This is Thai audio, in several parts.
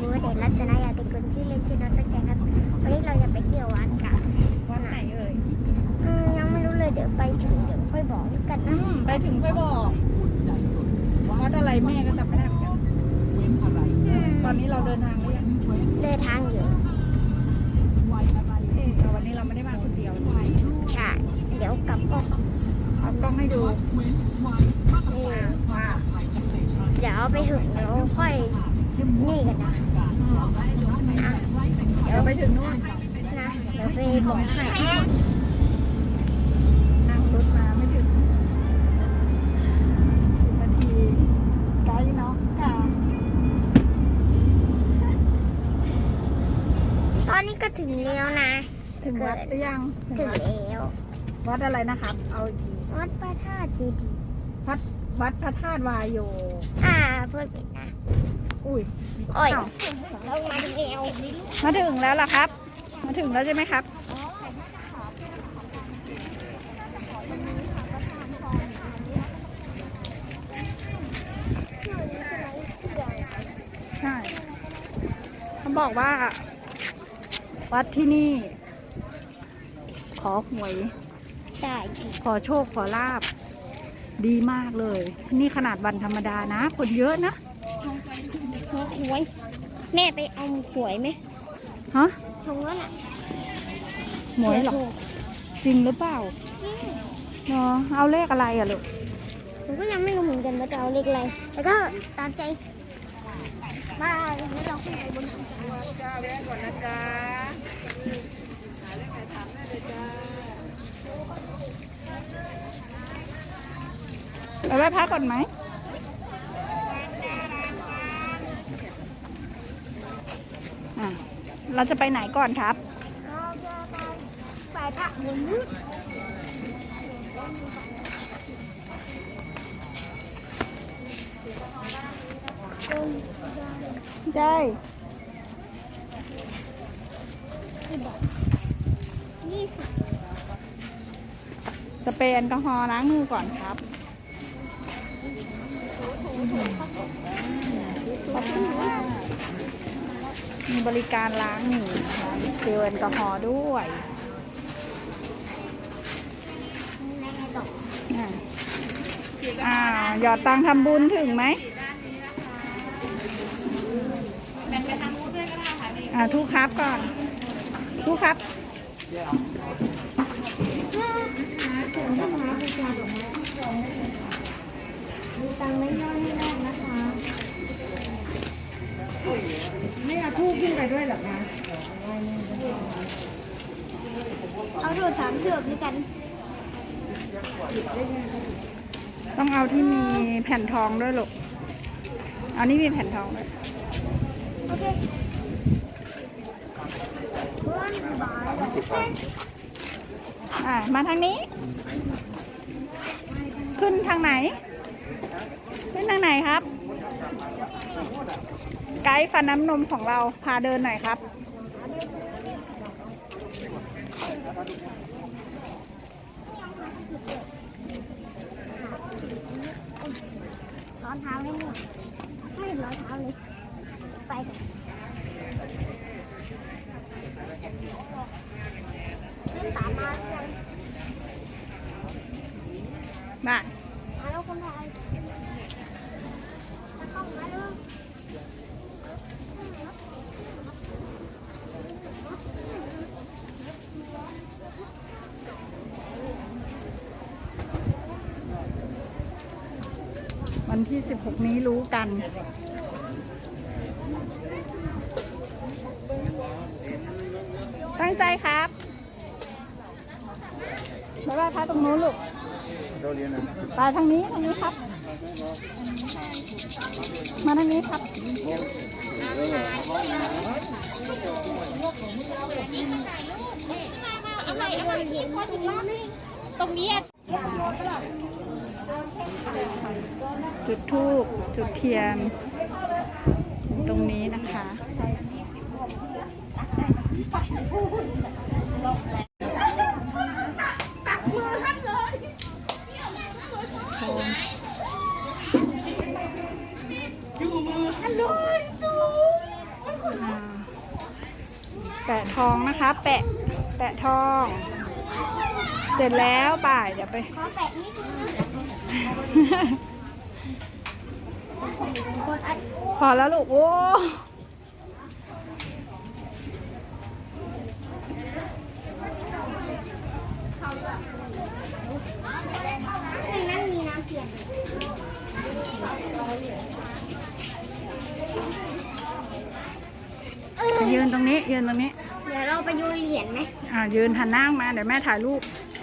ว่าเด็กรัตนายาติกุลที่เรียนชื่อน้องสแกนครับวันนี้เราจะไปเที่ยววัดกันวัดไหนเอ่ยยังไม่รู้เลยเดี๋ยวไปถึงเดี๋ยวค่อยบอกกันนะไปถึงค่อยบอกวัดอะไรแม่ก็จำไม่ได้เหมือนกันตอนนี้เราเดินทางหรือยังเดินทางอยู่แต่วันนี้เราไม่ได้มาคนเดียวใช่เดี๋ยวกลับกล้องเอากล้องให้ดูว่าเดี๋ยวไปถึงเดี๋ยวค่อยนี่กันนะเดี๋ยวไปถึงนู่นนะเดี๋ยวไปบอกให้นั่งรถมาไม่ถึง10 นาทีไกลเนาะค่ะตอนนี้ก็ถึงแล้วนะถึงวัดหรือยังถึงแล้ววัดอะไรนะครับเอาวัดพระธาตุดีวัดพระธาตุวายโยเพื่อนเป็นนะอุ้ยโอ้ยเรามาถึงแล้วมาถึงแล้วล่ะครับมาถึงแล้วใช่ไหมครับใช่เขาบอกว่าวัดที่นี่ขอหวยได้ขอโชคขอลาบดีมากเลยนี่ขนาดวันธรรมดานะคนเยอะนะขอหวยแม่ไปเอาหวยไหมฮะทงแล้วน่ะหวยหรอจริงหรือเปล่าเนาะเอาเลขอะไรอ่ะลูกผมก็ยังไม่รู้เหมือนกันว่าจะเอาเลขอะไรแล้วก็ตามใจมาแล้วเราขึ้นไปบนจ้าแวะก่อนนะจ๊ะไปไหว้พระก่อนไหมเราจะไปไหนก่อนครับเราจะไปพระบุญได้ 20 สเปรย์แอลกอฮอล์ล้างมือก่อนครับมีบริการล้างมือเจลแอลกอฮอล์ด้วยหยอดตังทำบุญถึงไหมทุกครับก่อนทุกครับดูตังไม่ย่อยให้ได้นะคะไม่เอาทูบขึ้นไปด้วยหรอคะเอาโทรศัพท์เชือกด้วยกันต้องเอาที่มีแผ่นทองด้วยลูกเอานี่มีแผ่นทองด้วยโอเคมาทางนี้ขึ้นทางไหนขึ้นทางไหนครับไกด์ฟันน้ำนมของเราพาเดินหน่อยครับร้อนเท้าเลยไม่ร้อนเท้าเลยไปตามมามาแล้วคนไทยต้องมาดูวันที่16นี้รู้กันตั้งใจครับบ๊ายบายพระตรงนู้นลูกไปทางนี้ครับมาทางนี้ครับอะไรเห็นว่าตรงนี้จุดธูปจุดเทียนตรงนี้นะคะตักมือท่านเลยอยู่มือท่านเลยแปะทองนะคะ แปะทอง เสร็จแล้วป่ายเดี๋ยวไปขอแปะนิดนึงนะคนอัดพอแล้วลูกโอ้ในนั้นมีน้ำเทียนยืนตรงนี้ยืนตรงนี้เดี๋ยวเราไปโยนเหรียญไหมยืนหันหน้ามาเดี๋ยวแม่ถ่ายรูป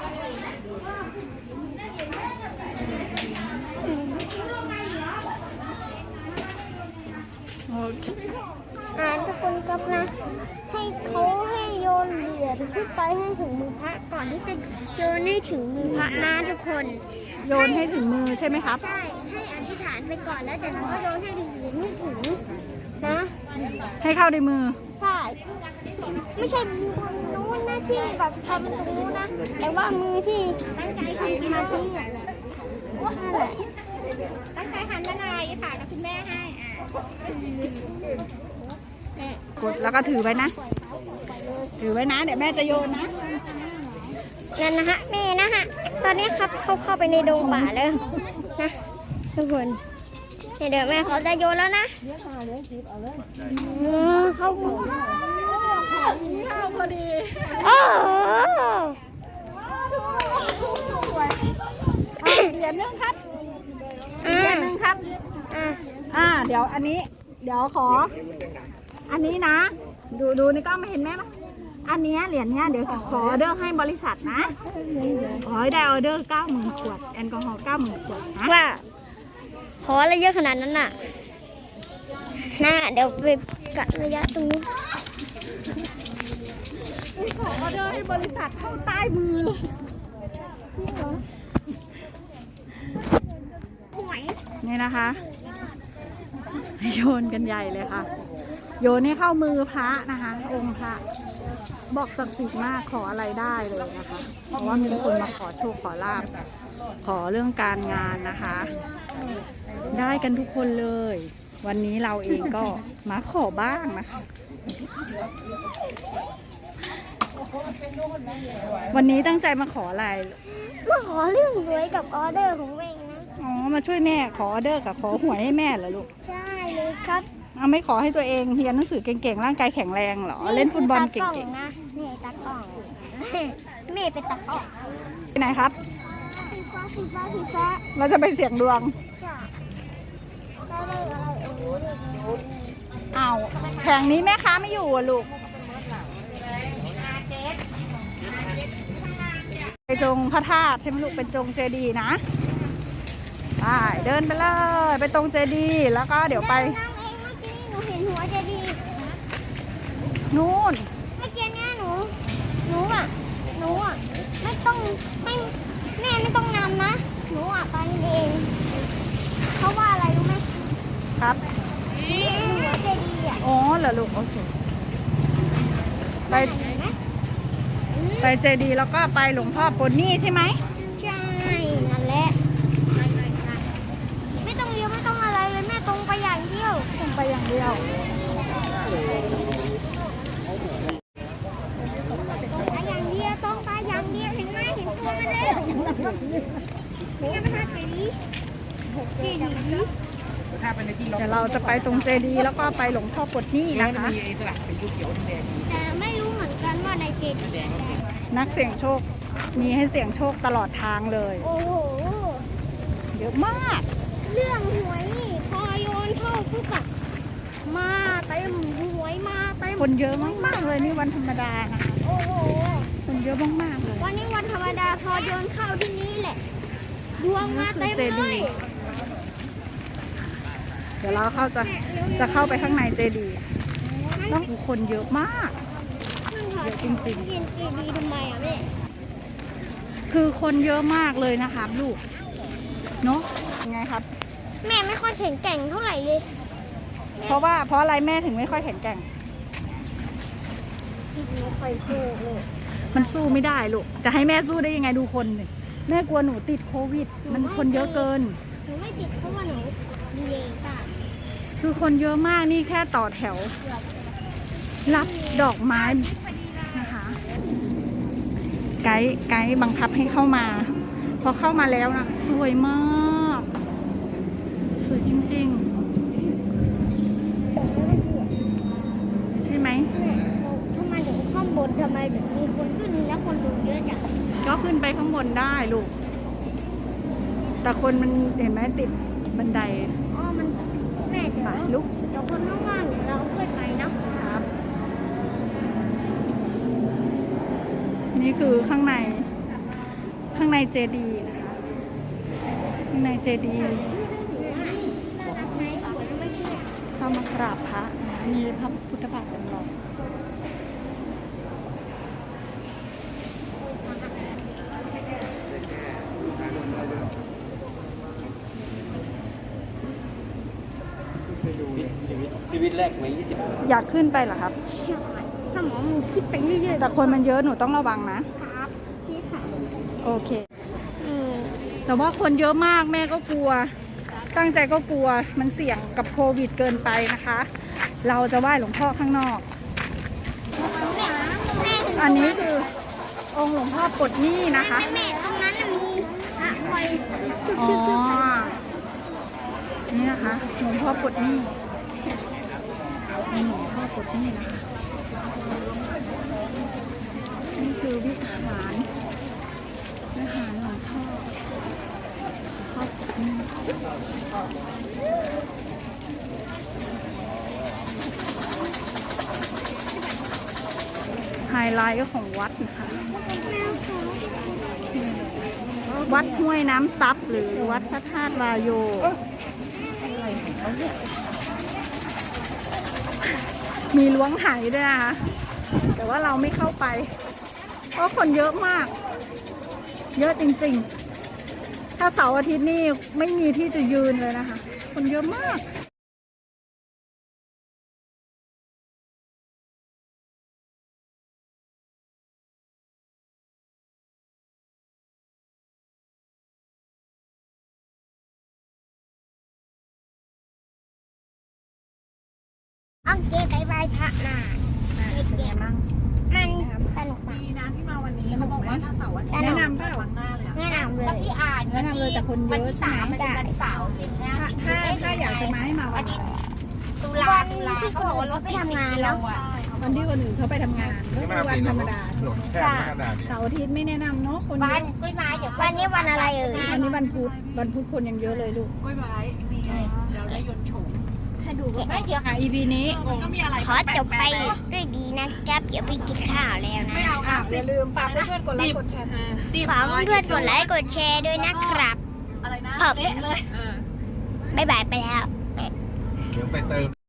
โอเคทุกคนก็นะ ให้เขาให้โยนเหรียญขึ้นไปให้ถึงมือพระก่อนที่จะโยนให้ถึงมือพระนะทุกคนโยนให้ถึงมือใช่ไหมครับใช่ให้อธิษฐานไปก่อนแล้วจากนั้นก็โยนให้เหรียญให้ถึงนะให้เข้าในมือใช่ไม่ใช่มือคนนู้นนะที่แบบทำตรงนู้นนะแต่ว่ามือที่ตั้งใจทำสมาธินั่นแหละตั้งใจหันด้านในค่ะกับคุณแม่ให้กดแล้วก็ถือไว้นะ ถือไว้นะ เดี๋ยวแม่จะโยนนะนั่นนะฮะแม่นะฮะตอนนี้ครับเขาเข้าไปในดงป่าแล้วนะทุกคนเดี๋ยวแม่เขาจะโยนแล้วนะเขาพอดีโอ้เหรียญนึงครับเหรียญนึงครับเดี๋ยวอันนี้ เดี๋ยวขอ อันนี้นะ ดูในกล้องไม่เห็นแม่ไหมอันนี้เหรียญเนี้ยเดี๋ยวขอออเดอร์ให้บริษัทนะขอให้ได้ออเดอร์ 90,000 ขวดแอลกอฮอล์ 90,000 ขวดนะว่าขออะไรเยอะขนาดนั้นน่ะน่าเดี๋ยวไปกัดระยะตรงนี้ขอออเดอร์ให้บริษัทเข้าใต้มือเลยนี่นะคะ โยนกันใหญ่เลยค่ะ โยนให้เข้ามือพระนะคะ องค์พระบอกศักดิ์สิทธิ์มากขออะไรได้เลยนะคะ เพราะว่ามีคนมาขอโชคขอลาภขอเรื่องการงานนะคะ ได้กันทุกคนเลย วันนี้เราเองก็มาขอบ้างนะคะวันนี้ตั้งใจมาขออะไรมาขอเรื่องรวยกับออเดอร์ของเองนะอ๋อ มาช่วยแม่ขอออเดอร์กับขอหวยให้แม่เหรอลูกใช่เลยครับเอาไม่ขอให้ตัวเองเรียนหนังสือเก่งๆร่างกายแข็งแรงเหรอเล่นฟุตบอลเก่งๆนะนี่ตากล้องแม่เป็นตากล้องๆไปไหนครับสีฟ้าเราจะไปเสี่ยงดวงจ้ะได้เลยอะไรโอ้ยเอาแผงนี้แม่ค้าไม่อยู่อ่ะลูกไปจงพระธาตุใช่ไหมลูกเป็นจงเจดีย์นะไปเดินไปเลยไปตรงเจดีย์แล้วก็เดี๋ยวไปนั่งเองเมื่อกี้หนูเห็นหัวเจดีย์นู่นเมื่อกี้เนี่ยหนูอ่ะไม่ต้องไม่แม่ไม่ต้องนำนะหนูอ่ะไปเองเพราะว่าอะไรรู้ไหมครับหัวเจดีย์อ่ะอ๋อเหรอลูกโอเคไปเห็นไหมไปเจดีย์แล้วก็ไปหลวงพ่อปนนี่ใช่ไหมใช่นั่นแหละไม่ต้องเลี้ยวไม่ต้องอะไรเลยแม่ตรงไปอย่างเดียวตรงไปอย่างเดียวไปอย่างเดียวตรงไปอย่างเดียวเห็นไหมเห็นตัวมันเลยนี่ไงพระธาตุเจดีย์เจดีย์เดี๋ยวเราจะไปตรงเจดีย์แล้วก็ไปหลวงพ่อปนนี่นะคะแต่ไม่รู้เหมือนกันว่าในเจดีย์นักเสี่ยงโชคมีให้เสี่ยงโชคตลอดทางเลยโอ้โหเยอะมากเรื่องหวยนี่พอโยนเข้าปุ๊บอะมาเต็มหวยมาเต็มคนเยอะมากๆเลยนี่วันธรรมดานะคะโอ้โหคนเยอะมากๆเลยวันนี้วันธรรมดาพอโยนเข้าที่นี่แหละดวงมาเต็มเลยเดี๋ยวเราจะเข้าไปข้างในเจดีย์ต้องคนเยอะมาก เยอะจริงเรียนเจดีย์ทำไมอ่ะแม่ๆคือคนเยอะมากเลยนะครับลูกเนาะยังไงครับแม่ไม่ค่อยแข็งแกร่งเท่าไหร่เลยเพราะอะไรแม่ถึงไม่ค่อยแข็งแกร่งไม่ค่อยสู้เลยมันสู้ไม่ได้ลูกจะให้แม่สู้ได้ยังไงดูคนเลยแม่กลัวหนูติดโควิด มันคนเยอะเกินหนูไม่ติดเพราะว่าหนูดีเลยค่ะคือคนเยอะมากนี่แค่ต่อแถวรับดอกไม้นะคะ ไกด์บังคับให้เข้ามา พอเข้ามาแล้วนะสวยมากสวยจริงๆใช่ไหมทำไมถึงข้างบนทำไมถึงมีคนขึ้นแล้วคนดูเยอะจังก็ขึ้นไปข้างบนได้ลูก แต่คนมันเห็นไหมติดบันไดอ๋อมันแม่เดี๋ยวลุกเดี๋ยวคนข้างล่างเดี๋ยวเราขึ้นไปเนาะครับ นี่คือข้างในเจดีย์นะคะ ข้างในเจดีย์เข้ามากราบพระนะคะมีพระพุทธบาทจำลองชีวิตแรกไว้20 อยากขึ้นไปเหรอครับถ้าหมอมึงคิดไปเรื่อยๆแต่คนมันเยอะหนูต้องระวังนะครับพี่ค่ะโอเค แต่ว่าคนเยอะมากแม่ก็กลัว ตั้งใจก็กลัวมันเสี่ยงกับโควิดเกินไปนะคะ เราจะไหว้หลวงพ่อข้างนอกแม่อันนี้คือองค์หลวงพ่อปลดหนี้นะคะแม่ตรงนั้นน่ะมีพระคอยชุบอ๋อๆนี่นะคะหลวงพ่อปลดหนี้หลวงพ่อปลดหนี้นะคะ นี่คือวิหารหลวงพ่อปลดหนี้ไฮไลท์ก็ของวัดนะคะ วัดห้วยน้ำซับหรือวัดพระธาตุวายโยอะไรของเขาเนี่ยมีล้วงหายด้วยนะคะ แต่ว่าเราไม่เข้าไป เพราะคนเยอะมาก เยอะจริงๆ ถ้าเสาร์อาทิตย์นี่ไม่มีที่จะยืนเลยนะคะ คนเยอะมากโอเคบายบายพระนามันสนุกมากดีนะที่มาวันนี้เขาบอกว่าถ้าเสาร์อาทิตย์แนะนำเปล่าครั้งหน้าเลยอะแนะนำเลยแล้วพี่อ่านแนะนำเลยแต่คนเยอะใช่ไหมมันเป็นวันเสาร์ใช่ไหมถ้าอยากจะมาให้มาวันไหนตุวัลานที่คนอื่นเขาไปทำงานเนาะวันที่คนอื่นเขาไปทำงานก็คือวันธรรมดาแค่กระดาษเสาร์อาทิตย์ไม่แนะนำเนาะคนเยบ้านอะกล้วยไม้เดี๋ยววันนี้วันอะไรเอ่ยวันนี้วันพุธคนยังเยอะเลยลูกกล้วยไม้นี่ไงเดี๋ยวได้ยนต์โฉมถ้าดูไม่เดี๋ยว EP นี้มันก็มีอะไรขอจบไปด้วยดีนะครับเดี๋ยวไปกินข้าวแล้วนะไม่เอาค่ะอย่าลืมฝากเพื่อนๆกดไลค์กดแชร์ฝากเพื่อนๆกดไลค์กดแชร์ด้วยนะครับอะไรนะครับเละเลยบ๊ายบายไปแล้วเดี๋ยวไปเติม